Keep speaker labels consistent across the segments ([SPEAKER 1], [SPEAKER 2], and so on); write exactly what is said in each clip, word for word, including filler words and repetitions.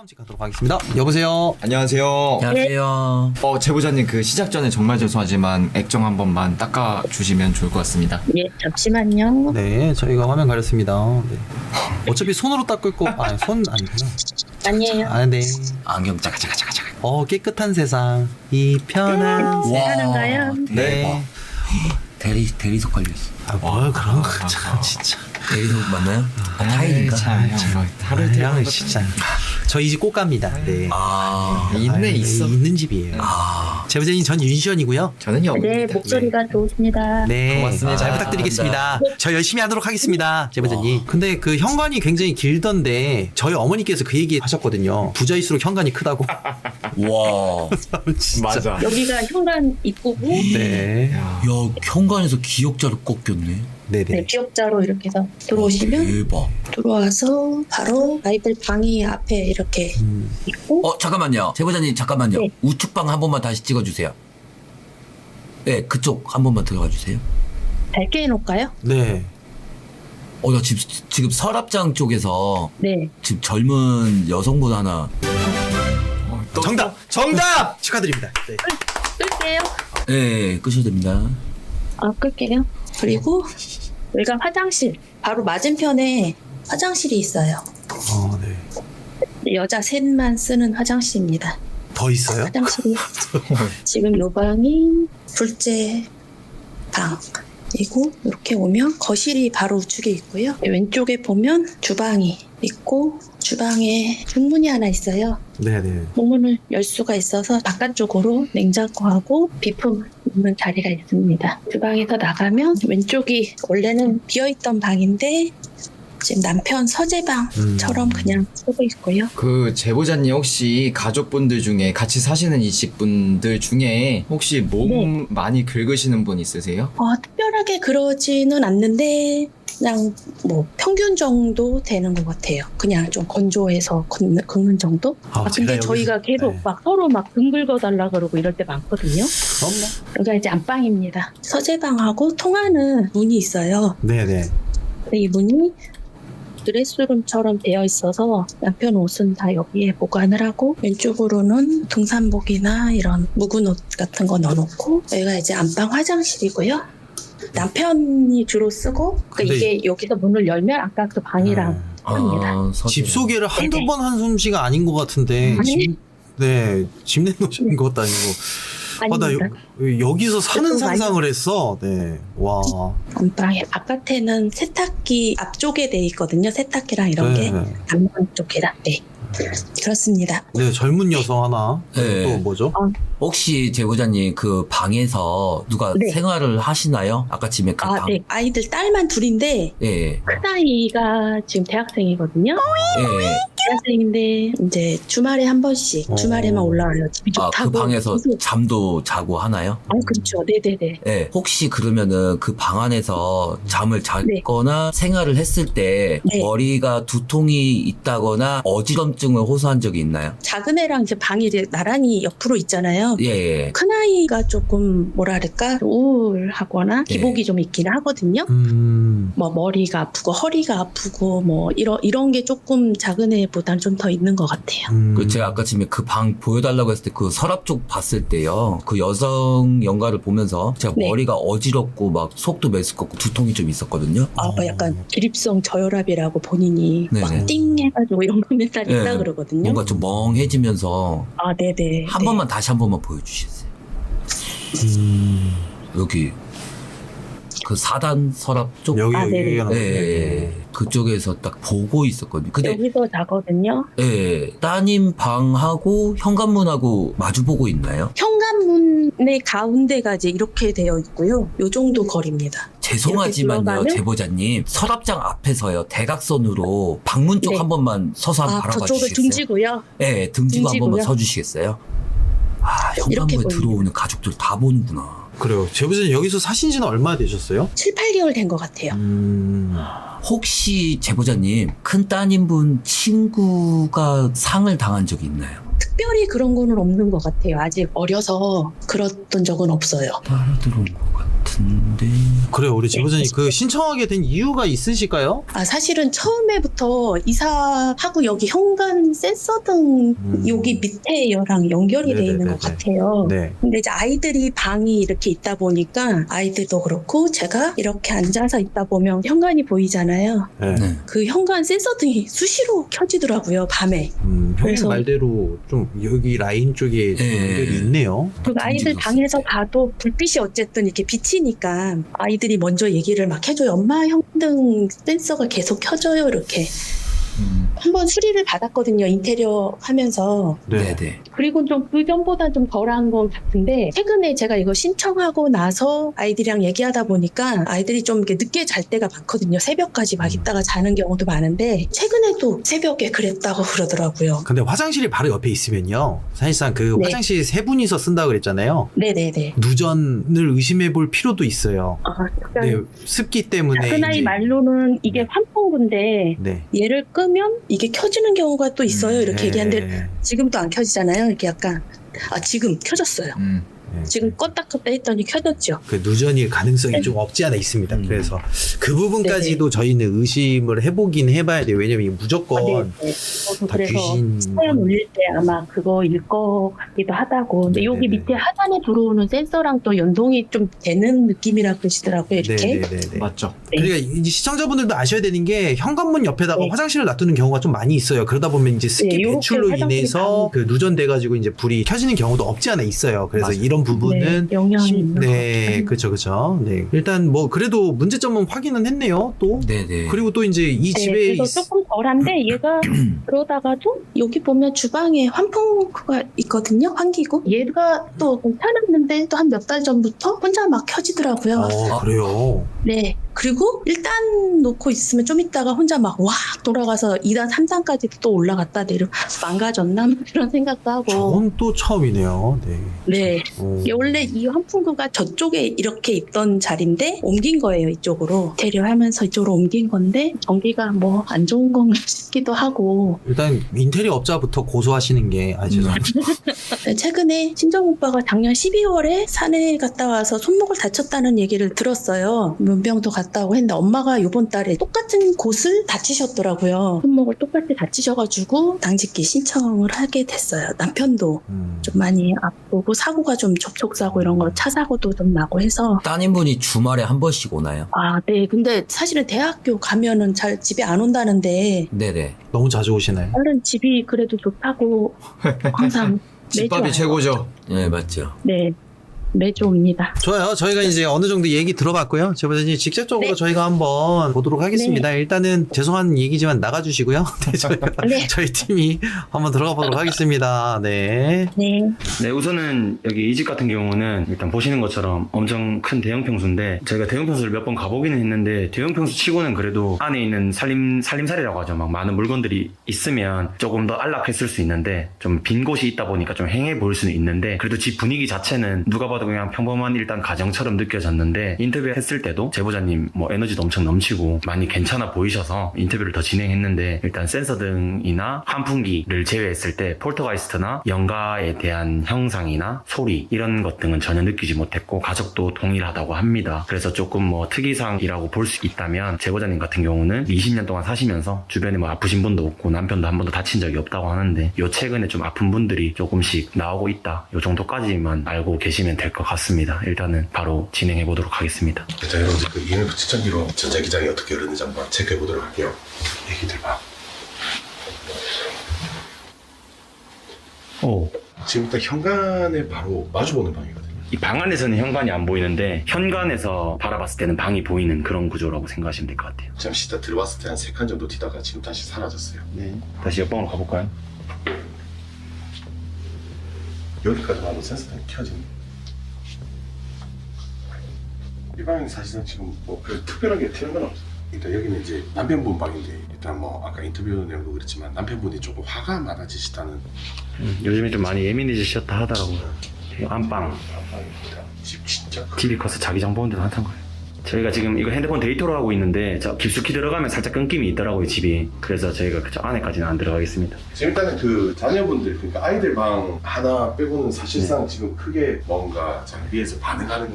[SPEAKER 1] 다음 집 가도록 하겠습니다. 여보세요.
[SPEAKER 2] 안녕하세요.
[SPEAKER 3] 안녕하세요.
[SPEAKER 2] 어, 제보자님 그 시작 전에 정말 죄송하지만 액정 한 번만 닦아 주시면 좋을 것 같습니다.
[SPEAKER 4] 예, 잠시만요.
[SPEAKER 1] 네, 저희가 화면 가렸습니다. 네. 어차피 손으로 닦을 거, 아, 손 아니구나.
[SPEAKER 4] 아니에요.
[SPEAKER 1] 아, 네.
[SPEAKER 3] 안경 짜가 짜가 짜가 짜가.
[SPEAKER 1] 어, 깨끗한 세상, 이 편한
[SPEAKER 4] 네,
[SPEAKER 1] 세상.
[SPEAKER 4] 하는가요?
[SPEAKER 1] 네.
[SPEAKER 3] 대리 대리석 걸려 있어.
[SPEAKER 1] 아, 뭘 그런 거,
[SPEAKER 2] 아,
[SPEAKER 1] 참,
[SPEAKER 2] 아,
[SPEAKER 1] 진짜.
[SPEAKER 3] 대리석 맞나요? 아, 타일인가?
[SPEAKER 2] 참, 형, 뭐, 하루
[SPEAKER 1] 아,
[SPEAKER 2] 이틀
[SPEAKER 1] 형은 진짜. 저희 집 꽃갑니다. 네.
[SPEAKER 3] 아,
[SPEAKER 2] 있네,
[SPEAKER 1] 아,
[SPEAKER 2] 있어.
[SPEAKER 1] 있는 집이에요.
[SPEAKER 3] 아,
[SPEAKER 1] 제보자님, 전 윤시원이고요.
[SPEAKER 2] 저는 영입니다.
[SPEAKER 4] 네, 목소리가 좋으십니다.
[SPEAKER 1] 네,
[SPEAKER 2] 고맙습니다.
[SPEAKER 1] 잘
[SPEAKER 3] 아,
[SPEAKER 1] 부탁드리겠습니다. 저 열심히 하도록 하겠습니다, 제보자님. 근데 그 현관이 굉장히 길던데 저희 어머니께서 그 얘기 하셨거든요. 부자일수록 현관이 크다고.
[SPEAKER 3] 와,
[SPEAKER 1] 진짜.
[SPEAKER 2] 맞아.
[SPEAKER 4] 여기가 현관 입구고,
[SPEAKER 1] 네,
[SPEAKER 2] 야.
[SPEAKER 3] 야 현관에서 기억자를 꺾였네.
[SPEAKER 1] 네,
[SPEAKER 4] 네,
[SPEAKER 1] 네.
[SPEAKER 4] 기억자로 이렇게 해서 들어오시면
[SPEAKER 3] 대박.
[SPEAKER 4] 들어와서 바로 아이들 방이 앞에 이렇게
[SPEAKER 1] 음,
[SPEAKER 4] 있고,
[SPEAKER 3] 어 잠깐만요, 제보자님 잠깐만요.
[SPEAKER 4] 네.
[SPEAKER 3] 우측방 한 번만 다시 찍어주세요. 네, 그쪽 한 번만 들어가 주세요.
[SPEAKER 4] 밝게 해놓을까요?
[SPEAKER 1] 네.
[SPEAKER 3] 어, 나 지금 지금 서랍장 쪽에서
[SPEAKER 4] 네.
[SPEAKER 3] 지금 젊은 여성분 하나.
[SPEAKER 2] 어, 또-
[SPEAKER 1] 정답, 정답 축하드립니다. 네.
[SPEAKER 4] 끌게요.
[SPEAKER 3] 네, 끄셔도 됩니다.
[SPEAKER 4] 아, 끌게요. 그리고 여기가 화장실. 바로 맞은편에 화장실이 있어요.
[SPEAKER 1] 어, 네.
[SPEAKER 4] 여자 셋만 쓰는 화장실입니다.
[SPEAKER 1] 더 있어요?
[SPEAKER 4] 화장실이 지금 요 방이 둘째 방. 그리고 이렇게 오면 거실이 바로 우측에 있고요. 왼쪽에 보면 주방이 있고 주방에 중문이 하나 있어요.
[SPEAKER 1] 네, 네.
[SPEAKER 4] 문을 열 수가 있어서 바깥쪽으로 냉장고하고 비품 있는 자리가 있습니다. 주방에서 나가면 왼쪽이 원래는 비어있던 방인데 지금 남편 서재방처럼
[SPEAKER 1] 음.
[SPEAKER 4] 그냥 쓰고 있고요.
[SPEAKER 2] 그 제보자님 혹시 가족분들 중에 같이 사시는 이 집분들 중에 혹시 몸
[SPEAKER 4] 네.
[SPEAKER 2] 많이 긁으시는 분 있으세요?
[SPEAKER 4] 어, 특별하게 그러지는 않는데 그냥 뭐 평균 정도 되는 것 같아요. 그냥 좀 건조해서 걷는, 긁는 정도?
[SPEAKER 1] 아,
[SPEAKER 4] 아, 근데
[SPEAKER 1] 제가 여기서-
[SPEAKER 4] 저희가 계속
[SPEAKER 1] 네.
[SPEAKER 4] 막 서로 막 등 긁어달라 그러고 이럴 때 많거든요.
[SPEAKER 1] 그럼 뭐.
[SPEAKER 4] 여기가 이제 안방입니다. 서재방하고 통하는 문이 있어요.
[SPEAKER 1] 네, 네.
[SPEAKER 4] 근데 이 문이 드레스룸처럼 되어 있어서 남편 옷은 다 여기에 보관을 하고 왼쪽으로는 등산복이나 이런 묵은 옷 같은 거 넣어놓고 여기가 이제 안방 화장실이고요. 남편이 주로 쓰고 그러니까
[SPEAKER 1] 근데
[SPEAKER 4] 이게 여기서 문을 열면 아까 그 방이랑
[SPEAKER 1] 네.
[SPEAKER 4] 합니다.
[SPEAKER 3] 아, 서재.
[SPEAKER 1] 집 소개를 한두
[SPEAKER 4] 네네.
[SPEAKER 1] 번 한 솜씨가 아닌 것 같은데.
[SPEAKER 4] 아니.
[SPEAKER 1] 집, 네, 집 내놓으신 것도 아니고. 아, 나
[SPEAKER 4] 아닙니다.
[SPEAKER 1] 여, 여기서 사는
[SPEAKER 4] 그래도 많이-
[SPEAKER 1] 상상을 했어. 네. 와.
[SPEAKER 4] 안방에 바깥에는 세탁기 앞쪽에 돼 있거든요. 세탁기랑 이런
[SPEAKER 1] 네.
[SPEAKER 4] 게 안방 쪽이라. 네. 그렇습니다.
[SPEAKER 1] 네, 젊은 여성 하나.
[SPEAKER 3] 네.
[SPEAKER 1] 또 뭐죠?
[SPEAKER 3] 혹시 제보자님 그 방에서 누가
[SPEAKER 4] 네.
[SPEAKER 3] 생활을 하시나요? 아까 집에 그
[SPEAKER 4] 아,
[SPEAKER 3] 방.
[SPEAKER 4] 네. 아이들 딸만 둘인데
[SPEAKER 3] 예,
[SPEAKER 4] 큰아이가 지금 대학생이거든요.
[SPEAKER 3] 예, 예.
[SPEAKER 4] 대학생인데 이제 주말에 한 번씩
[SPEAKER 1] 어.
[SPEAKER 4] 주말에만 올라와요. 집이
[SPEAKER 3] 아,
[SPEAKER 4] 좋다고.
[SPEAKER 3] 그 방에서
[SPEAKER 4] 계속.
[SPEAKER 3] 잠도 자고 하나요?
[SPEAKER 4] 아, 그렇죠. 네네네.
[SPEAKER 3] 예. 혹시 그러면은 그 방 안에서 잠을
[SPEAKER 4] 네.
[SPEAKER 3] 자거나 생활을 했을 때
[SPEAKER 4] 네.
[SPEAKER 3] 머리가 두통이 있다거나 어지럼증을 호소한 적이 있나요?
[SPEAKER 4] 작은 애랑 이제 방이 이제 나란히 옆으로 있잖아요.
[SPEAKER 3] 예, 예.
[SPEAKER 4] 큰아이가 조금 뭐랄까 우울하거나
[SPEAKER 3] 네.
[SPEAKER 4] 기복이 좀 있긴 하거든요.
[SPEAKER 1] 음.
[SPEAKER 4] 뭐 머리가 아프고 허리가 아프고 뭐 이런 이런 게 조금 작은 애보단 좀 더 있는 것 같아요.
[SPEAKER 1] 음.
[SPEAKER 3] 그 제가 아까 집에 그 방 보여달라고 했을 때 그 서랍 쪽 봤을 때요. 그 여성 연가를 보면서 제가
[SPEAKER 4] 네.
[SPEAKER 3] 머리가 어지럽고 막 속도 메스껍고 두통이 좀 있었거든요.
[SPEAKER 4] 아, 뭐 약간 기립성 저혈압이라고 본인이
[SPEAKER 3] 네네.
[SPEAKER 4] 막 띵 해가지고 이런 거 맨날
[SPEAKER 3] 네.
[SPEAKER 4] 있다 그러거든요.
[SPEAKER 3] 뭔가 좀 멍해지면서
[SPEAKER 4] 아, 네네.
[SPEAKER 3] 한
[SPEAKER 4] 네.
[SPEAKER 3] 번만 다시 한 번만 보여주시겠어요?
[SPEAKER 1] 음.
[SPEAKER 3] 여기 그 사단 서랍 쪽.
[SPEAKER 1] 여기,
[SPEAKER 4] 아,
[SPEAKER 1] 여기,
[SPEAKER 4] 네네.
[SPEAKER 1] 여기.
[SPEAKER 3] 예, 예. 그쪽에서 딱 보고 있었거든요. 근데
[SPEAKER 4] 여기서 자거든요.
[SPEAKER 3] 예, 따님 방하고 현관문하고 마주 보고 있나요?
[SPEAKER 4] 현관문의 가운데가 이제 이렇게 되어 있고요. 요 정도 거리입니다.
[SPEAKER 3] 죄송하지만요,
[SPEAKER 4] 이렇게 들어가면-
[SPEAKER 3] 제보자님. 서랍장 앞에서요, 대각선으로 방문 쪽
[SPEAKER 4] 네.
[SPEAKER 3] 한 번만 서서 한번
[SPEAKER 4] 아,
[SPEAKER 3] 바라봐
[SPEAKER 4] 저쪽을
[SPEAKER 3] 주시겠어요?
[SPEAKER 4] 등지고요.
[SPEAKER 3] 예, 등지고 한
[SPEAKER 4] 등지고요.
[SPEAKER 3] 번만 서주시겠어요? 아,
[SPEAKER 4] 이렇게
[SPEAKER 3] 현관문에
[SPEAKER 4] 보입니다.
[SPEAKER 3] 들어오는 가족들 다 보는구나.
[SPEAKER 1] 그래요. 제보자님 여기서 사신 지는 얼마나 되셨어요?
[SPEAKER 4] 칠, 팔 개월 된 것 같아요.
[SPEAKER 1] 음.
[SPEAKER 3] 혹시 제보자님, 큰 따님분 친구가 상을 당한 적이 있나요?
[SPEAKER 4] 특별히 그런 거는 없는 것 같아요. 아직 어려서 그랬던 적은 없어요.
[SPEAKER 3] 따라 들어온 것 같은데. 같은데.
[SPEAKER 1] 그래요, 우리 제보자님 그 신청하게 된 이유가 있으실까요?
[SPEAKER 4] 아, 사실은 처음에부터 이사하고 여기 현관 센서 등
[SPEAKER 1] 음.
[SPEAKER 4] 여기 밑에랑 연결이 돼 있는 것
[SPEAKER 1] 네네네네.
[SPEAKER 4] 같아요.
[SPEAKER 1] 네.
[SPEAKER 4] 근데 이제 아이들이 방이 이렇게 있다 보니까 아이들도 그렇고 제가 이렇게 앉아서 있다 보면 현관이 보이잖아요.
[SPEAKER 1] 네.
[SPEAKER 3] 네.
[SPEAKER 4] 그 현관 센서 등이 수시로 켜지더라고요, 밤에.
[SPEAKER 1] 음, 형님
[SPEAKER 4] 그래서-
[SPEAKER 1] 말대로 좀 여기 라인 쪽에
[SPEAKER 3] 예.
[SPEAKER 1] 연결이 있네요.
[SPEAKER 4] 그리고 아이들
[SPEAKER 3] 움직였을
[SPEAKER 4] 방에서
[SPEAKER 3] 때.
[SPEAKER 4] 봐도 불빛이 어쨌든 이렇게 비치니까 아이들이 먼저 얘기를 막 해줘요. 엄마 현등 센서가 계속 켜져요, 이렇게.
[SPEAKER 2] 음.
[SPEAKER 4] 한번 수리를 받았거든요, 인테리어 하면서.
[SPEAKER 3] 네, 네.
[SPEAKER 4] 그리고 좀 그 전보다 좀 덜한 건 같은데 최근에 제가 이거 신청하고 나서 아이들이랑 얘기하다 보니까 아이들이 좀 이렇게 늦게 잘 때가 많거든요. 새벽까지 막 있다가 자는 경우도 많은데 최근에도 새벽에 그랬다고 그러더라고요.
[SPEAKER 1] 근데 화장실이 바로 옆에 있으면요. 사실상 그
[SPEAKER 4] 네.
[SPEAKER 1] 화장실 세 분이서 쓴다고 그랬잖아요.
[SPEAKER 4] 네네네.
[SPEAKER 1] 누전을 의심해 볼 필요도 있어요.
[SPEAKER 4] 아,
[SPEAKER 1] 네,
[SPEAKER 4] 그러니까
[SPEAKER 1] 습기 때문에.
[SPEAKER 4] 작은 아이
[SPEAKER 1] 이제-
[SPEAKER 4] 말로는 이게
[SPEAKER 1] 네.
[SPEAKER 4] 환풍구인데
[SPEAKER 1] 네.
[SPEAKER 4] 얘를 끄면 이게 켜지는 경우가 또 있어요. 이렇게
[SPEAKER 1] 네.
[SPEAKER 4] 얘기하는데 지금도 안 켜지잖아요. 이렇게 약간 아 지금 켜졌어요.
[SPEAKER 2] 음.
[SPEAKER 1] 네.
[SPEAKER 4] 지금 껐다 껐다 했더니 켜졌죠.
[SPEAKER 1] 그 누전일 가능성이
[SPEAKER 4] 네.
[SPEAKER 1] 좀 없지 않아 있습니다.
[SPEAKER 3] 음.
[SPEAKER 1] 그래서 그 부분까지도 저희는 의심을 해보긴 해봐야 돼요. 왜냐면 이게 무조건
[SPEAKER 4] 아, 네, 네. 저도
[SPEAKER 1] 다
[SPEAKER 4] 그래서
[SPEAKER 1] 귀신.
[SPEAKER 4] 사연 올릴 때 아마 그거일 것 같기도 하다고. 근데 여기
[SPEAKER 1] 네네네.
[SPEAKER 4] 밑에 하단에 들어오는 센서랑 또 연동이 좀 되는 느낌이라 그러시더라고요. 이렇게.
[SPEAKER 1] 네네네.
[SPEAKER 2] 맞죠.
[SPEAKER 4] 네.
[SPEAKER 1] 그러니까 이제 시청자분들도 아셔야 되는 게 현관문 옆에다가
[SPEAKER 4] 네.
[SPEAKER 1] 화장실을 놔두는 경우가 좀 많이 있어요. 그러다 보면 이제 습기
[SPEAKER 4] 네, 요렇게
[SPEAKER 1] 배출로
[SPEAKER 4] 화장실이
[SPEAKER 1] 인해서 그 누전돼가지고 이제 불이 켜지는 경우도 없지 않아 있어요. 그래서
[SPEAKER 2] 맞아요.
[SPEAKER 1] 이런 부분은
[SPEAKER 4] 네, 영향이
[SPEAKER 1] 심-
[SPEAKER 4] 있는
[SPEAKER 1] 네,
[SPEAKER 4] 것 같아요.
[SPEAKER 1] 그렇죠, 그렇죠. 네, 일단 뭐 그래도 문제점은 확인은 했네요. 또
[SPEAKER 3] 네, 네.
[SPEAKER 1] 그리고 또 이제 이
[SPEAKER 4] 네,
[SPEAKER 1] 집에
[SPEAKER 4] 그래서
[SPEAKER 1] 있-
[SPEAKER 4] 조금 덜한데 얘가 그러다가도 여기 보면 주방에 환풍구가 있거든요. 환기구. 얘가 또 괜찮았는데 또 한 몇 달 전부터 혼자 막 켜지더라고요.
[SPEAKER 1] 어, 그래요.
[SPEAKER 4] 네. 그리고 일 단 놓고 있으면 좀 있다가 혼자 막 와 돌아가서 이 단, 삼 단까지 또 올라갔다 내려 망가졌나 그런 생각도 하고.
[SPEAKER 1] 저건 또 처음이네요. 네.
[SPEAKER 4] 네.
[SPEAKER 1] 어.
[SPEAKER 4] 이게 원래 이 환풍구가 저쪽에 이렇게 있던 자리인데 옮긴 거예요, 이쪽으로. 대려하면서 이쪽으로 옮긴 건데 전기가 뭐 안 좋은 건가 싶기도 하고.
[SPEAKER 1] 일단 인테리어 업자부터 고소하시는 게 아, 죄송합니다.
[SPEAKER 4] 네, 최근에 친정 오빠가 작년 십이월에 산에 갔다 와서 손목을 다쳤다는 얘기를 들었어요. 문병도 갔다 오고 했는데 엄마가 이번 달에 똑같은 곳을 다치셨더라고요. 손목을 똑같이 다치셔가지고 당직기 신청을 하게 됐어요. 남편도
[SPEAKER 1] 음.
[SPEAKER 4] 좀 많이 아프고 사고가 좀 접촉사고 이런 거 차 사고도 좀 나고 해서
[SPEAKER 3] 따님분이 주말에 한 번씩 오나요?
[SPEAKER 4] 아, 네. 근데 사실은 대학교 가면은 잘 집에 안 온다는데
[SPEAKER 3] 네네.
[SPEAKER 1] 너무 자주 오시나요?
[SPEAKER 4] 다른 집이 그래도 좋다고 항상 매주
[SPEAKER 2] 집밥이
[SPEAKER 4] 와요.
[SPEAKER 2] 최고죠.
[SPEAKER 3] 네, 맞죠.
[SPEAKER 4] 네. 매주 옵니다.
[SPEAKER 1] 좋아요. 저희가 이제 어느 정도 얘기 들어봤고요. 제보자님 직접적으로
[SPEAKER 4] 네.
[SPEAKER 1] 저희가 한번 보도록 하겠습니다. 일단은 죄송한 얘기지만 나가주시고요. 네, 저희가
[SPEAKER 4] 네.
[SPEAKER 1] 저희 팀이 한번 들어가 보도록 하겠습니다. 네.
[SPEAKER 4] 네.
[SPEAKER 5] 네, 우선은 여기 이 집 같은 경우는 일단 보시는 것처럼 엄청 큰 대형 평수인데 저희가 대형 평수를 몇 번 가보기는 했는데 대형 평수 치고는 그래도 안에 있는 살림, 살림살이라고 하죠. 막 많은 물건들이 있으면 조금 더 안락했을 수 있는데 좀 빈 곳이 있다 보니까 좀 행해 보일 수는 있는데 그래도 집 분위기 자체는 누가 봐도 그냥 평범한 일단 가정처럼 느껴졌는데 인터뷰 했을 때도 제보자님 뭐 에너지도 엄청 넘치고 많이 괜찮아 보이셔서 인터뷰를 더 진행했는데 일단 센서 등이나 환풍기를 제외했을 때 폴터가이스트나 영가에 대한 형상이나 소리 이런 것 등은 전혀 느끼지 못했고 가족도 동일하다고 합니다. 그래서 조금 뭐 특이사항이라고 볼 수 있다면 제보자님 같은 경우는 이십 년 동안 사시면서 주변에 뭐 아프신 분도 없고 남편도 한 번도 다친 적이 없다고 하는데 요 최근에 좀 아픈 분들이 조금씩 나오고 있다. 요 정도까지만 알고 계시면 될 것 같습니다. 일단은 바로 진행해 보도록 하겠습니다.
[SPEAKER 6] 자, 여러분들 그 이엠에프 측정기로 전자기장이 어떻게 흐르는지 한번 체크해 보도록 할게요. 얘기들 봐.
[SPEAKER 5] 오.
[SPEAKER 6] 지금 딱 현관에 바로 마주보는 방이거든요.
[SPEAKER 5] 이 방 안에서는 현관이 안 보이는데 현관에서 바라봤을 때는 방이 보이는 그런 구조라고 생각하시면 될 것 같아요.
[SPEAKER 6] 잠시 딱 들어왔을 때 한 세 칸 정도 뛰다가 지금 다시 사라졌어요.
[SPEAKER 5] 네. 다시 옆방으로 가볼까요?
[SPEAKER 6] 여기까지 와도 센서등이 켜지네. 이 방은 사실은 지금 뭐 별 특별하게 튀는 건 없어요. 일단 여기는 이제 남편분 방인데 일단 뭐 아까 인터뷰 내용도 그랬지만 남편분이 조금 화가 많아지시다는
[SPEAKER 5] 음, 요즘에 좀 많이 예민해지셨다 하더라고요. 이 안방.
[SPEAKER 6] 방입니다. 집 진짜 크
[SPEAKER 5] 티비 커서 자기장 보는 데도 한탄 거예요. 저희가 지금 이거 핸드폰 데이터로 하고 있는데 저 깊숙이 들어가면 살짝 끊김이 있더라고요, 집이. 그래서 저희가 그 안에까지는 안 들어가겠습니다.
[SPEAKER 6] 지금 일단은 그 자녀분들 그러니까 아이들 방 하나 빼고는 사실상 지금 크게 뭔가 장비에서 반응하는 거는 없어요.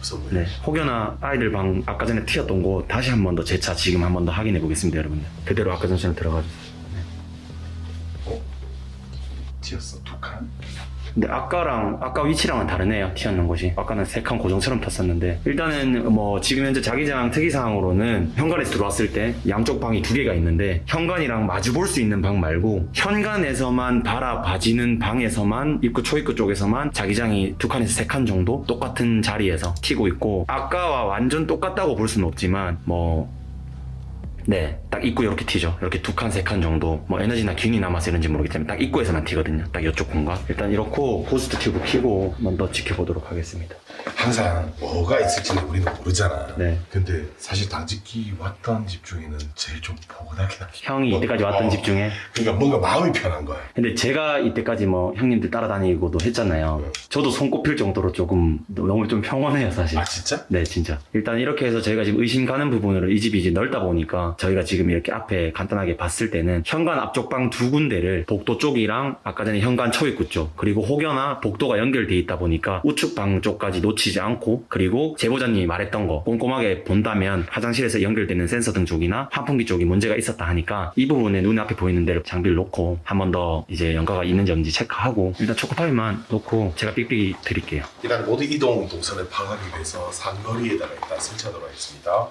[SPEAKER 6] 없어 보여.
[SPEAKER 5] 네, 혹여나 아이들 방 아까 전에 튀었던 곳 다시 한 번 더 재차 지금 한 번 더 확인해 보겠습니다, 여러분들. 그대로 아까 전처럼 들어가 주세요.
[SPEAKER 6] 어? 튀었어 두 칸?
[SPEAKER 5] 근데 아까랑 아까 위치랑은 다르네요. 튀었는 곳이 아까는 세 칸 고정처럼 탔었는데 일단은 뭐 지금 현재 자기장 특이사항으로는 현관에서 들어왔을 때 양쪽 방이 두 개가 있는데 현관이랑 마주 볼 수 있는 방 말고 현관에서만 바라봐지는 방에서만 입구 초입구 쪽에서만 자기장이 두 칸에서 세 칸 정도 똑같은 자리에서 튀고 있고 아까와 완전 똑같다고 볼 수는 없지만 뭐 네, 딱 입구 이렇게 튀죠. 이렇게 두 칸, 세 칸 정도. 뭐 에너지나 균이 남아서 이런지 모르겠지만 딱 입구에서만 튀거든요. 딱 이쪽 공간. 일단 이렇고 고스트 튜브 켜고 한번 더 지켜보도록 하겠습니다.
[SPEAKER 6] 항상 뭐가 있을지는 우리는 모르잖아.
[SPEAKER 5] 네.
[SPEAKER 6] 근데 사실 당직기 왔던 집 중에는 제일 좀 포근하긴 하지.
[SPEAKER 5] 형이 이때까지 왔던
[SPEAKER 6] 어.
[SPEAKER 5] 집 중에.
[SPEAKER 6] 그러니까 뭔가 마음이 편한 거야.
[SPEAKER 5] 근데 제가 이때까지 뭐 형님들 따라다니고도 했잖아요.
[SPEAKER 6] 네.
[SPEAKER 5] 저도 손꼽힐 정도로 조금 너무 좀 평온해요, 사실.
[SPEAKER 6] 아 진짜?
[SPEAKER 5] 네, 진짜. 일단 이렇게 해서 저희가 지금 의심 가는 부분으로 이 집이 이제 넓다 보니까 저희가 지금 이렇게 앞에 간단하게 봤을 때는 현관 앞쪽 방 두 군데를 복도 쪽이랑 아까 전에 현관 초입구 쪽 그리고 혹여나 복도가 연결돼 있다 보니까 우측 방 쪽까지 놓치지 않고 그리고 제보자님이 말했던 거 꼼꼼하게 본다면 화장실에서 연결되는 센서 등 쪽이나 환풍기 쪽이 문제가 있었다 하니까 이 부분에 눈앞에 보이는 대로 장비를 놓고 한 번 더 이제 연가가 있는지 없는지 체크하고 일단 초코파이만 놓고 제가 삑삑이 드릴게요.
[SPEAKER 6] 일단 모두 이동 동선을 파악하기 위해서 상거리에다가 일단 설치하도록 하겠습니다.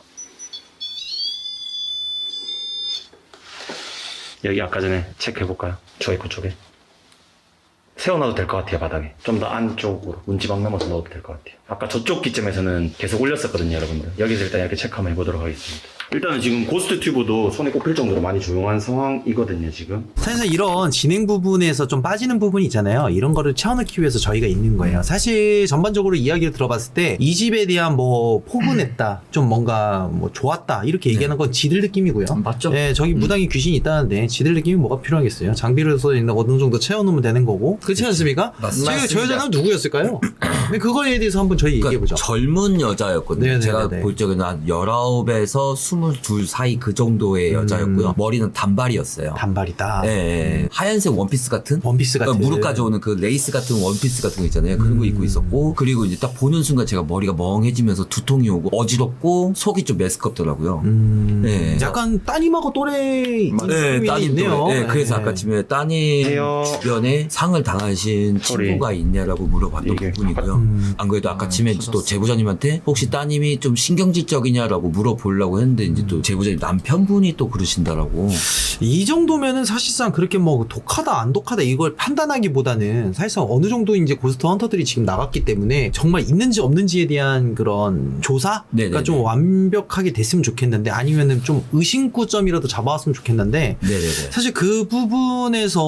[SPEAKER 5] 여기 아까 전에 체크해볼까요? 초입구 쪽에 세워놔도 될 것 같아요. 바닥에 좀 더 안쪽으로 문지방 넘어서 넣어도 될 것 같아요. 아까 저쪽 기점에서는 계속 올렸었거든요, 여러분들. 여기서 일단 이렇게 체크 한번 해보도록 하겠습니다. 일단은 지금 고스트 튜브도 손에 꼽힐 정도로 많이 조용한 상황이거든요, 지금.
[SPEAKER 1] 사실 이런 진행 부분에서 좀 빠지는 부분이 있잖아요. 이런 거를 채워넣기 위해서 저희가 있는 거예요. 사실 전반적으로 이야기를 들어봤을 때 이 집에 대한 뭐 포근했다, 좀 뭔가 뭐 좋았다 이렇게 얘기하는 건 지들 느낌이고요.
[SPEAKER 3] 맞죠?
[SPEAKER 1] 네, 저기 무당이 귀신이 있다는데 지들 느낌이 뭐가 필요하겠어요. 장비를 써 있는 어느 정도 채워놓으면 되는 거고. 그렇지 않습니까?
[SPEAKER 3] 맞습니다.
[SPEAKER 1] 저희가 저 여자는 누구였을까요? 그거에 대해서 한번 저희 얘기해보죠.
[SPEAKER 3] 젊은 여자였거든요.
[SPEAKER 1] 네네네네.
[SPEAKER 3] 제가 볼 적에는 한 열아홉에서 스물둘 사이 그 정도의
[SPEAKER 1] 음.
[SPEAKER 3] 여자였고요. 머리는 단발이었어요.
[SPEAKER 1] 단발이다.
[SPEAKER 3] 예, 예. 하얀색 원피스 같은?
[SPEAKER 1] 원피스 같은.
[SPEAKER 3] 그러니까 무릎까지 오는 그 레이스 같은 원피스 같은 거 있잖아요. 그런 거
[SPEAKER 1] 음.
[SPEAKER 3] 입고 있었고. 그리고 이제 딱 보는 순간 제가 머리가 멍해지면서 두통이 오고 어지럽고 속이 좀 메스껍더라고요.
[SPEAKER 1] 음,
[SPEAKER 3] 네.
[SPEAKER 1] 약간 따님하고 또래
[SPEAKER 3] 네, 따님
[SPEAKER 1] 있네요.
[SPEAKER 3] 네, 그래서
[SPEAKER 1] 네.
[SPEAKER 3] 아까 아침에 따님
[SPEAKER 5] 해요.
[SPEAKER 3] 주변에 상을 당하신
[SPEAKER 5] 소리.
[SPEAKER 3] 친구가 있냐라고 물어봤던
[SPEAKER 5] 이게
[SPEAKER 3] 부분이고요.
[SPEAKER 1] 음.
[SPEAKER 3] 안 그래도 아까 아침에 또 제보자님한테 혹시 따님이 좀 신경질적이냐라고 물어보려고 했는데 이제 또 제보자님 남편분이 또 그러신다라고.
[SPEAKER 1] 이 정도면은 사실상 그렇게 뭐 독하다 안 독하다 이걸 판단하기보다는 사실상 어느 정도 이제 고스트 헌터들이 지금 나갔기 때문에 정말 있는지 없는지에 대한 그런 조사가
[SPEAKER 3] 네네네.
[SPEAKER 1] 좀 완벽하게 됐으면 좋겠는데 아니면은 좀 의심구점이라도 잡아왔으면 좋겠는데
[SPEAKER 3] 네네네.
[SPEAKER 1] 사실 그 부분에서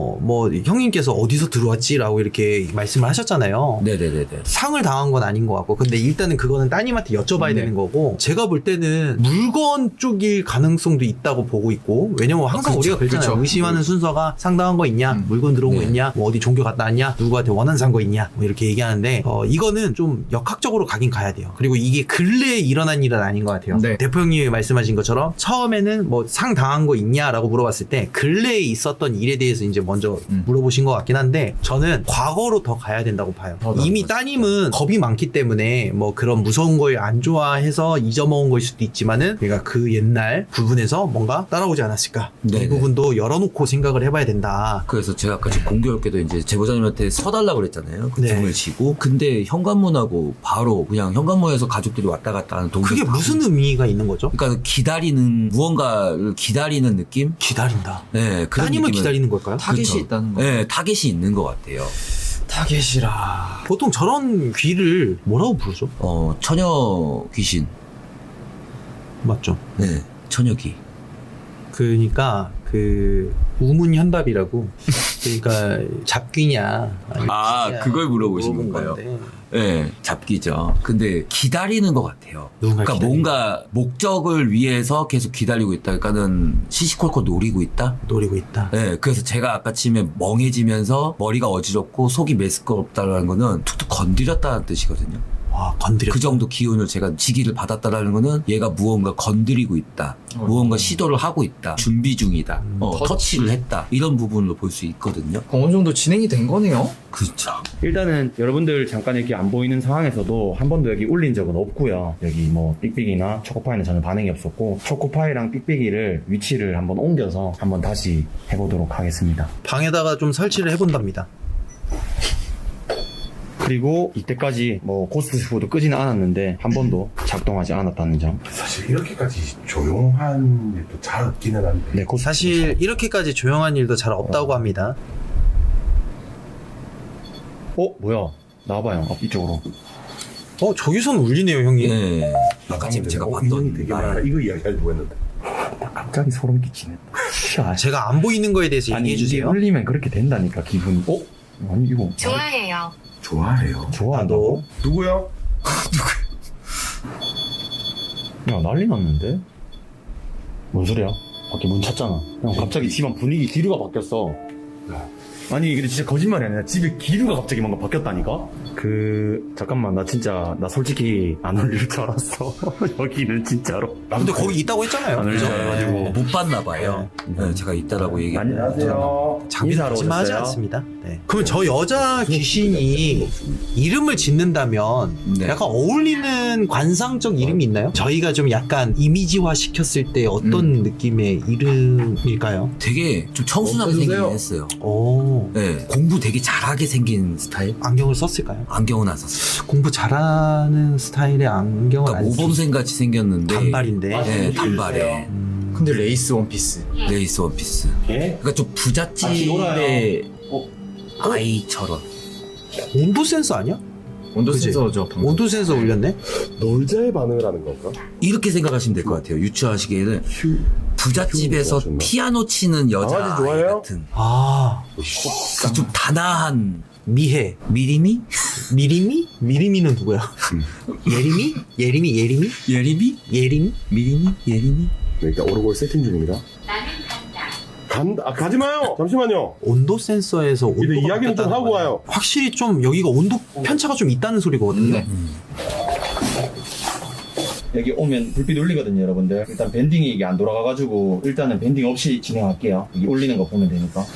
[SPEAKER 1] 뭐 형님께서 어디서 들어왔지라고 이렇게 말씀을 하셨잖아요.
[SPEAKER 3] 네네네네.
[SPEAKER 1] 상을 당한 건 아닌 것 같고 근데 일단은 그거는 따님한테 여쭤봐야
[SPEAKER 3] 네.
[SPEAKER 1] 되는 거고 제가 볼 때는 물건 쪽일 가능성도 있다고 보고 있고 왜냐면 항상
[SPEAKER 2] 아, 그쵸,
[SPEAKER 1] 우리가 그랬잖아요.
[SPEAKER 2] 그쵸.
[SPEAKER 1] 의심하는 순서가 상당한 거 있냐
[SPEAKER 2] 음.
[SPEAKER 1] 물건 들어온 거
[SPEAKER 3] 네.
[SPEAKER 1] 있냐 뭐 어디 종교 갔다 왔냐 누구한테 원한 산 거 있냐 뭐 이렇게 얘기하는데 어, 이거는 좀 역학적으로 가긴 가야 돼요. 그리고 이게 근래에 일어난 일은 아닌 것 같아요.
[SPEAKER 2] 네.
[SPEAKER 1] 대표 형님이 말씀하신 것처럼 처음에는 뭐 상 당한 거 있냐라고 물어봤을 때 근래에 있었던 일에 대해서 이제 먼저
[SPEAKER 2] 음.
[SPEAKER 1] 물어보신 것 같긴 한데 저는 과거로 더 가야 된다고 봐요.
[SPEAKER 2] 어,
[SPEAKER 1] 이미
[SPEAKER 2] 맞습니다.
[SPEAKER 1] 따님은 겁이 많기 때문에 뭐 그런 무서운 걸 안 좋아해서 잊어먹은 걸 수도 있지만은 내가 그 옛날 부분에서 뭔가 따라오지 않았을까 이
[SPEAKER 3] 네네.
[SPEAKER 1] 부분도 열어놓고 생각을 해봐야 된다.
[SPEAKER 3] 그래서 제가 아까 지금 공교롭게도 이제 제보자님한테 서달라고 그랬잖아요. 그
[SPEAKER 1] 네.
[SPEAKER 3] 등을 지고. 근데 현관문하고 바로 그냥 현관문에서 가족들이 왔다 갔다 하는 동작.
[SPEAKER 1] 그게 무슨 의미가 있는 거죠?
[SPEAKER 3] 그러니까 기다리는 무언가를 기다리는 느낌?
[SPEAKER 1] 기다린다.
[SPEAKER 3] 네, 그런
[SPEAKER 1] 따님을
[SPEAKER 3] 느낌을-
[SPEAKER 1] 기다리는 걸까요?
[SPEAKER 2] 타겟이
[SPEAKER 3] 그쵸.
[SPEAKER 2] 있다는 거.
[SPEAKER 3] 네, 타겟이 있는 것 같아요.
[SPEAKER 2] 타겟이라.
[SPEAKER 1] 보통 저런 귀를 뭐라고 부르죠?
[SPEAKER 3] 어, 처녀 귀신.
[SPEAKER 1] 맞죠?
[SPEAKER 3] 네, 처녀귀.
[SPEAKER 1] 그러니까 그 우문현답이라고 그러니까 잡귀냐 아니면
[SPEAKER 3] 아,
[SPEAKER 1] 귀냐
[SPEAKER 3] 그걸 물어보신
[SPEAKER 1] 물어본
[SPEAKER 3] 건가요?
[SPEAKER 1] 건데.
[SPEAKER 3] 네, 잡기죠. 근데 기다리는 것 같아요.
[SPEAKER 1] 누군가
[SPEAKER 3] 그러니까
[SPEAKER 1] 기다리는
[SPEAKER 3] 뭔가 목적을 위해서 계속 기다리고 있다. 그러니까는 시시콜콜 노리고 있다.
[SPEAKER 1] 노리고 있다.
[SPEAKER 3] 네, 그래서 제가 아까 침에 멍해지면서 머리가 어지럽고 속이 메스껍다라는 거는 툭툭 건드렸다는 뜻이거든요.
[SPEAKER 1] 아, 건드려.
[SPEAKER 3] 그 정도 기운을 제가 지기를 받았다라는 거는 얘가 무언가 건드리고 있다.
[SPEAKER 2] 어.
[SPEAKER 3] 무언가 시도를 하고 있다. 준비 중이다.
[SPEAKER 1] 음,
[SPEAKER 3] 어,
[SPEAKER 2] 터치.
[SPEAKER 3] 터치를 했다. 이런 부분으로 볼 수 있거든요.
[SPEAKER 2] 어느 정도 진행이 된 거네요.
[SPEAKER 3] 그렇죠.
[SPEAKER 5] 일단은 여러분들 잠깐 이렇게 안 보이는 상황에서도 한 번도 여기 울린 적은 없고요. 여기 뭐 삑삑이나 초코파이는 저는 반응이 없었고 초코파이랑 삑삑이를 위치를 한번 옮겨서 한번 다시 해보도록 하겠습니다.
[SPEAKER 1] 방에다가 좀 설치를 해본답니다.
[SPEAKER 5] 그리고 이때까지 뭐 고스트 푸드 끄지는 않았는데 한 번도 작동하지 않았다는 점.
[SPEAKER 6] 사실 이렇게까지 조용한 일도 잘 없기는 한데.
[SPEAKER 5] 네, 고스트
[SPEAKER 1] 사실 이렇게까지 조용한 일도 잘 없다고 합니다.
[SPEAKER 5] 어 뭐야? 나와봐요. 앞 이쪽으로.
[SPEAKER 1] 어, 저기선 울리네요, 형님.
[SPEAKER 3] 네. 아까 지금 제가
[SPEAKER 6] 어, 인형이
[SPEAKER 3] 봤던
[SPEAKER 6] 되게
[SPEAKER 3] 날.
[SPEAKER 6] 많아. 이거 이야기하려고 했는데.
[SPEAKER 5] 갑자기 소름 끼치네.
[SPEAKER 1] 아, 제가 안 보이는 거에 대해서
[SPEAKER 5] 아니
[SPEAKER 1] 얘기해
[SPEAKER 5] 이게
[SPEAKER 1] 주세요.
[SPEAKER 5] 울리면 그렇게 된다니까 기분이. 어? 아니 이거
[SPEAKER 7] 좋아해요.
[SPEAKER 6] 좋아해요.
[SPEAKER 5] 좋아한다고?
[SPEAKER 6] 누구요?
[SPEAKER 5] 야 난리 났는데? 뭔 소리야? 밖에 문 찼잖아. 형 갑자기 집안 분위기 기류가 바뀌었어. 아니 근데 진짜 거짓말이 아니라 집에 기류가 갑자기 뭔가 바뀌었다니까? 그 잠깐만 나 진짜 나 솔직히 안 울릴 줄 알았어. 여기는 진짜로.
[SPEAKER 1] 근데 거기 있다고 했잖아요.
[SPEAKER 5] 안 울릴 줄
[SPEAKER 1] 그죠?
[SPEAKER 5] 알아가지고.
[SPEAKER 3] 못 봤나 봐요. 네, 제가 있다라고 얘기.
[SPEAKER 5] 안녕하세요.
[SPEAKER 1] 장비
[SPEAKER 5] 인사하러
[SPEAKER 1] 거짓말하지
[SPEAKER 5] 오셨어요?
[SPEAKER 1] 않습니다. 네. 그럼 저 여자 귀신이 이름을 짓는다면
[SPEAKER 3] 네.
[SPEAKER 1] 약간 어울리는 관상적 이름이 있나요? 저희가 좀 약간 이미지화 시켰을 때 어떤 느낌의 이름일까요?
[SPEAKER 3] 되게 좀 청순하게 생기긴 했어요.
[SPEAKER 1] 오,
[SPEAKER 3] 네. 공부 되게 잘하게 생긴 스타일?
[SPEAKER 1] 안경을 썼을까요?
[SPEAKER 3] 안경은 안 썼어요.
[SPEAKER 1] 공부 잘하는 스타일의 안경을
[SPEAKER 3] 그러니까
[SPEAKER 1] 안 썼-
[SPEAKER 3] 모범생 같이 생겼는데.
[SPEAKER 1] 단발인데.
[SPEAKER 3] 네, 단발에.
[SPEAKER 1] 음,
[SPEAKER 2] 근데 레이스 원피스.
[SPEAKER 3] 레이스 원피스.
[SPEAKER 5] 예?
[SPEAKER 3] 그러니까 좀 부잣집의
[SPEAKER 5] 어?
[SPEAKER 3] 아이처럼.
[SPEAKER 1] 온도 센서 아니야?
[SPEAKER 2] 온도
[SPEAKER 1] 그치?
[SPEAKER 2] 센서죠. 방금.
[SPEAKER 1] 온도 센서 울렸네?
[SPEAKER 6] 놀자의 반응을 하는 건가?
[SPEAKER 3] 이렇게 생각하시면 될 것 같아요. 유추하시기에는
[SPEAKER 6] 휴,
[SPEAKER 3] 부잣집에서
[SPEAKER 6] 휴 좋아하셨나?
[SPEAKER 3] 피아노 치는 여자
[SPEAKER 6] 강아지
[SPEAKER 3] 아이
[SPEAKER 6] 좋아해요?
[SPEAKER 3] 같은
[SPEAKER 1] 아,
[SPEAKER 3] 그좀 단아한
[SPEAKER 1] 미해.
[SPEAKER 3] 미리미?
[SPEAKER 1] 미리미? 미리미는 누구야? 예림이? 예림이? 예림이?
[SPEAKER 3] 예리미?
[SPEAKER 1] 예림이?
[SPEAKER 3] 미리미? 예리미?
[SPEAKER 6] 네, 일단 오르골 세팅 중입니다.
[SPEAKER 7] 나는 간다.
[SPEAKER 6] 간다. 아, 가지 마요. 잠시만요.
[SPEAKER 1] 온도 센서에서 온도
[SPEAKER 6] 근데 이야기는 좀 하고 와요.
[SPEAKER 1] 확실히 좀 여기가 온도 편차가 좀 있다는 소리거든요.
[SPEAKER 2] 네.
[SPEAKER 5] 여기 오면 불빛 울리거든요, 여러분들. 일단 밴딩이 이게 안 돌아가가지고 일단은 밴딩 없이 진행할게요. 여기 울리는 거 보면 되니까.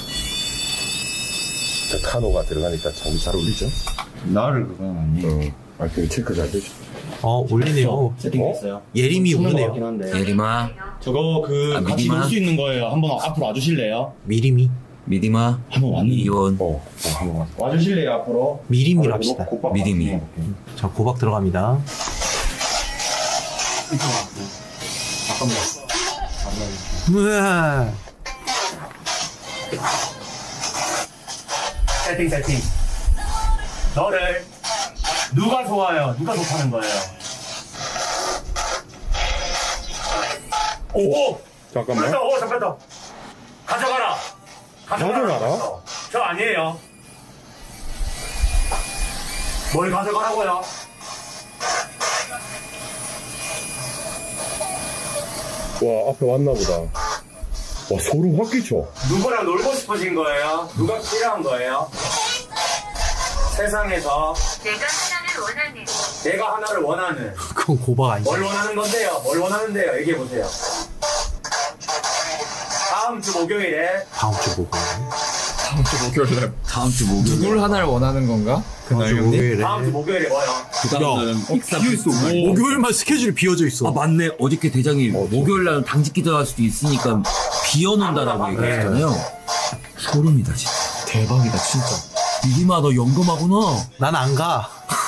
[SPEAKER 6] 자, 타노가 들어가니까 참 잘 울리죠?
[SPEAKER 5] 나를 그건 아니.
[SPEAKER 6] 어. 아, 그 체크 잘 되죠.
[SPEAKER 1] 어, 울리네요.
[SPEAKER 5] 세팅됐어요.
[SPEAKER 1] 예림이
[SPEAKER 5] 쓰는 거
[SPEAKER 1] 우네요.
[SPEAKER 5] 같긴 한데.
[SPEAKER 3] 예리마?
[SPEAKER 5] 저거 그
[SPEAKER 3] 아,
[SPEAKER 5] 같이
[SPEAKER 3] 미디마?
[SPEAKER 5] 놀 수 있는 거예요. 한번 앞으로 와주실래요?
[SPEAKER 1] 미리미?
[SPEAKER 3] 미리마?
[SPEAKER 5] 한번 왔는데.
[SPEAKER 3] 이원?
[SPEAKER 6] 어, 어 한번 와.
[SPEAKER 5] 와주실래요 앞으로?
[SPEAKER 1] 미리미로 합시다.
[SPEAKER 3] 미리미.
[SPEAKER 1] 자, 고박 들어갑니다. 우와.
[SPEAKER 5] 세팅 세팅. 너를 누가 좋아요? 누가 좋다는 거예요? 오!
[SPEAKER 6] 잠깐만.
[SPEAKER 5] 잠깐, 오, 잠깐, 가져가라.
[SPEAKER 6] 가져가라?
[SPEAKER 5] 저 아니에요. 뭘 가져가라고요?
[SPEAKER 6] 와, 앞에 왔나 보다. 와, 소름 확 끼쳐.
[SPEAKER 5] 누구랑 놀고 싶으신 거예요? 누가 필요한 거예요? 세상에서
[SPEAKER 7] 내가 하나를 원하는.
[SPEAKER 5] 내가 하나를 원하는
[SPEAKER 1] 그건 고박 아니죠.
[SPEAKER 5] 뭘 원하는 건데요? 뭘 원하는데요? 얘기해 보세요. 다음 주 목요일에
[SPEAKER 1] 다음 주 목요일.
[SPEAKER 2] 다음 주 목요일 날.
[SPEAKER 3] 다음 주 목요일.
[SPEAKER 2] 누굴 하나를 원하는 건가?
[SPEAKER 1] 다음
[SPEAKER 2] 그날
[SPEAKER 1] 주
[SPEAKER 2] 형님?
[SPEAKER 1] 목요일에.
[SPEAKER 5] 다음 주 목요일에 뭐요?
[SPEAKER 3] 그 다음 날은 익사 비어
[SPEAKER 1] 목요일만 스케줄이 비어져 있어.
[SPEAKER 3] 아 맞네. 어저께 대장이 목요일 날은 당직 기도할 수도 있으니까 비워놓는다라고 얘기했잖아요. 소름이다 진짜.
[SPEAKER 2] 대박이다 진짜.
[SPEAKER 3] 미리마 너 연금하구나.
[SPEAKER 1] 난 안 가.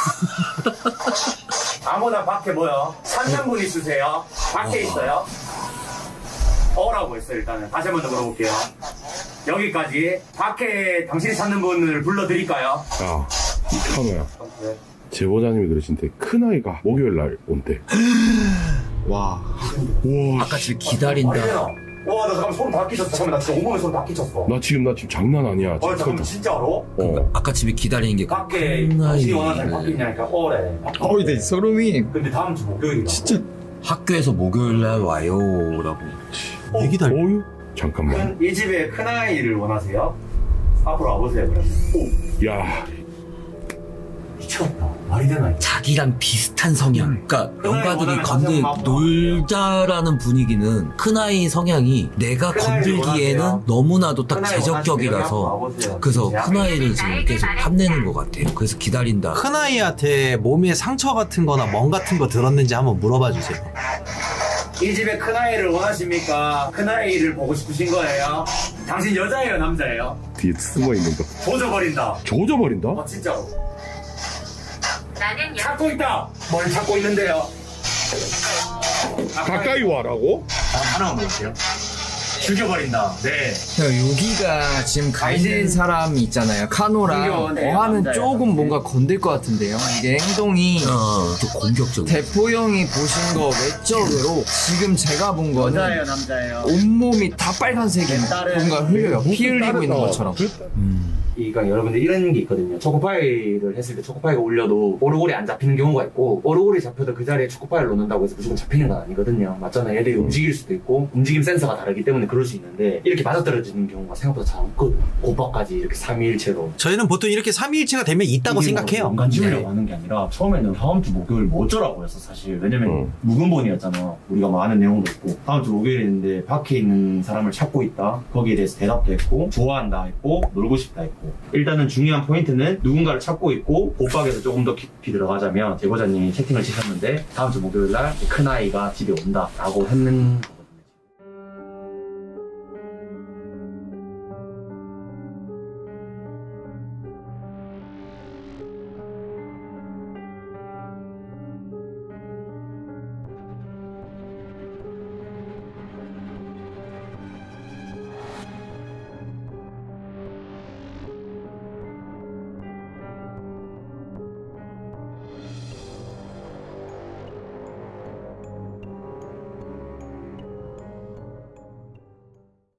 [SPEAKER 5] 아무나 밖에 뭐요? 찾는 분 있으세요? 밖에 있어요? 어라고 했어요 일단은. 다시 한 번 더 물어볼게요. 여기까지. 밖에 당신이 찾는 분을 불러드릴까요?
[SPEAKER 6] 야, 이 타노야.
[SPEAKER 5] 네.
[SPEAKER 6] 제보자님이 그러신데 큰아이가 목요일 날 온대.
[SPEAKER 2] 와.
[SPEAKER 6] 우와,
[SPEAKER 3] 아까 지금 기다린다.
[SPEAKER 5] 와, 나 잠깐 소름 다 끼쳤어. 잠깐만, 나 진짜 온몸에 소름 다 끼쳤어.
[SPEAKER 6] 나 지금 나 지금 장난 아니야.
[SPEAKER 5] 어,
[SPEAKER 6] 지금
[SPEAKER 5] 잠깐만,
[SPEAKER 6] 큰-
[SPEAKER 5] 진짜로?
[SPEAKER 6] 어.
[SPEAKER 3] 아까 집에 기다리는 게
[SPEAKER 5] 밖에
[SPEAKER 3] 큰
[SPEAKER 5] 당신이 원하는 사람이 밖에
[SPEAKER 3] 아이를
[SPEAKER 5] 있냐니까, 어래.
[SPEAKER 2] 어이, 내 소름이.
[SPEAKER 5] 근데 다음 주 목요일이다.
[SPEAKER 2] 진짜.
[SPEAKER 3] 학교에서 목요일 날 와요라고.
[SPEAKER 1] 왜 기다려?
[SPEAKER 6] 어유? 잠깐만.
[SPEAKER 5] 큰, 이 집에 큰아이를 원하세요? 앞으로 와보세요, 그러면. 오,
[SPEAKER 6] 야,
[SPEAKER 5] 미쳤다. 와, 말이 되나?
[SPEAKER 3] 자기랑 비슷한 성향. 그러니까 영가들이 건들 놀자라는 분위기는 큰아이 성향이 내가 건들기에는 너무나도 딱 제적격이라서 그래서 큰아이를 지금 계속 탐내는 것 같아요. 그래서 기다린다.
[SPEAKER 1] 큰아이한테 몸에 상처 같은 거나 멍 같은 거 들었는지 한번 물어봐 주세요.
[SPEAKER 8] 이 집에 큰아이를 원하십니까? 큰아이를 보고 싶으신 거예요? 당신 여자예요, 남자예요?
[SPEAKER 6] 뒤에 숨어 있는 거.
[SPEAKER 8] 조져버린다.
[SPEAKER 6] 조져버린다?
[SPEAKER 8] 어, 진짜로.
[SPEAKER 7] 나는 여
[SPEAKER 8] 찾고 있다. 뭘 찾고 있는데요?
[SPEAKER 6] 가까이 와라고?
[SPEAKER 8] 하나만 볼게요. 죽여버린다. 네.
[SPEAKER 2] 여기가 지금 가 있는 사람이 있잖아요. 카노랑
[SPEAKER 8] 공격은
[SPEAKER 2] 어하는
[SPEAKER 8] 남자예요.
[SPEAKER 2] 조금 뭔가 건들 것 같은데요. 이게 행동이
[SPEAKER 3] 어, 좀 공격적이야.
[SPEAKER 2] 대포 형이 보신 거 외적으로 지금 제가 본
[SPEAKER 8] 여자예요,
[SPEAKER 2] 거는
[SPEAKER 8] 남자예요?
[SPEAKER 2] 온몸이 다 빨간색이
[SPEAKER 8] 딸은
[SPEAKER 2] 뭔가 흘려요. 피 흘리고 있는 것처럼.
[SPEAKER 3] 음.
[SPEAKER 9] 그러니까 여러분들 이런 게 있거든요. 초코파이를 했을 때 초코파이가 울려도 오르골이 안 잡히는 경우가 있고 오르골이 잡혀도 그 자리에 초코파이를 놓는다고 해서 무조건 잡히는 건 아니거든요. 맞잖아요. 얘들이 움직일 수도 있고 움직임 센서가 다르기 때문에 그럴 수 있는데 이렇게 맞아떨어지는 경우가 생각보다 잘 없거든요. 고박까지 이렇게 삼위일체로.
[SPEAKER 1] 저희는 보통 이렇게 삼위일체가 되면 있다고 생각해요.
[SPEAKER 5] 연간 지우려고
[SPEAKER 1] 네.
[SPEAKER 5] 하는 게 아니라 처음에는 다음 주 목요일 뭐 어쩌라고 했어 사실. 왜냐면
[SPEAKER 6] 음.
[SPEAKER 5] 묵은본이었잖아. 우리가 뭐 아는 내용도 있고 다음 주 목요일인데 밖에 있는 사람을 찾고 있다. 거기에 대해서 대답도 했고 좋아한다 했고 놀고 싶다 했고 일단은 중요한 포인트는 누군가를 찾고 있고 옷박에서 조금 더 깊이 들어가자면 제보자님이 채팅을 치셨는데 다음 주 목요일 날 큰아이가 집에 온다 라고 했는